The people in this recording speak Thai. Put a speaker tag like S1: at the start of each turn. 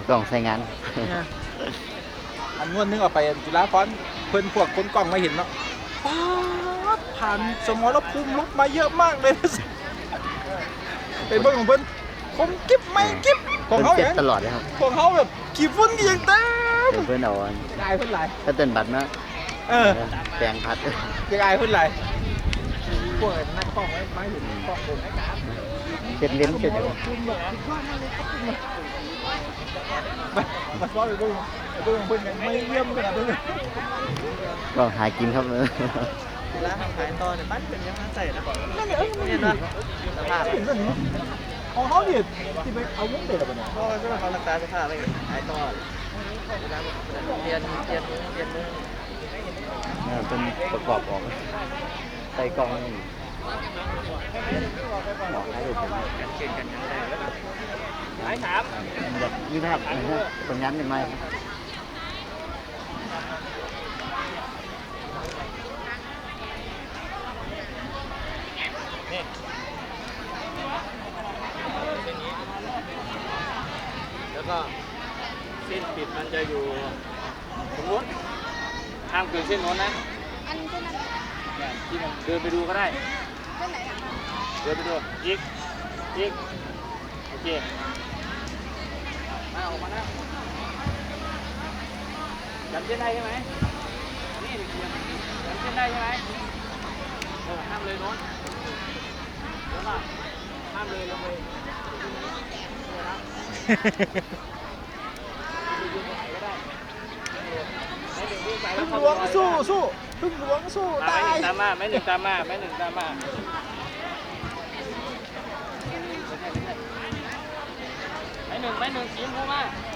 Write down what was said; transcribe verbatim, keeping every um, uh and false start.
S1: กล่องใส่งาน
S2: อันงวดนึงเอาไปจุฬาภรณ์เพิ่นพวกคนกล้องมาเห็นเนาะป๊าดผ่านสมรภูมิรบมาเยอะมากเลยเป็นเบิ่งของเพิ่นคมกิ๊บไม่กิ๊บของ
S1: เพิ่น
S2: เขา
S1: เจ็บ
S2: เนี่ย
S1: ตลอดเลยครับ
S2: ของเขาแบบขี้ฝุ่นกี่ยังเต็ม
S1: เดี๋ยวเพิ่นเอาอัน
S2: ยายเพิ่นหลาย
S1: ก็เต้นบัตรมา
S2: เออ
S1: แปลงพัด
S2: ยังไงเพิ่นหลายพวกนักกล้องไว้ไม้เห็นกล้องผม
S1: เจ็ดเล่มเจ็ดเล่ม
S2: มามาซ้อนไปเบิ่งไปเบิ่งเพิ่นยังไม่เยี่ยมขนาดนั้น
S1: ก็หากินครับเออ
S3: ร้านขายต่อเนี่ยบ้านเป็นยังไงใส่นะ
S2: นั่นเนี่ยเอ้ยมัน
S3: เนี่
S2: เห็
S3: ย
S2: น
S3: นะ
S2: นะ
S3: สภาพ
S2: เห็นแบบนี้ของเขาเนี่ยที่ไปเอาวงเด็ดอะเนี่ย
S3: เพราะว่าเขารักษาสภาพไปขายต่อเรียนเรียนเรียนมือ
S1: เนี่ยเป็นประกอบออกใส่กล่องนี่หมอให้ดูผม
S3: กันเก่งกันยังไง
S2: หลายถาม
S1: แบบนี้นะครับผลงานเป็นไง
S3: แล้วก็เส้นปิดมันจะอยู่ตรงนู้นห้ามเกินเส้นนู้นนะ
S4: อันเส้นนั้น
S3: เนี่ยที่มันเดินไปดูก็ได้
S4: เส้นไหนอ่ะ
S3: เดินไปดูอีกอีกโอเคมาออกมานะจำเส้นได้ใช่ไหมนี่จำเส้นได้ใช่ไหมเออห้ามเลยโน้นเดี๋ยวมาห้ามเลยลงไป
S2: พึ่งหลวงสู้สู้พึ่งหลวงสู้ตาย
S3: ตามมาแม่หนึ่งตามมาแม่หนึ่งตามมาแม่หนึ่งแม่หนึ่งสีชมพูมา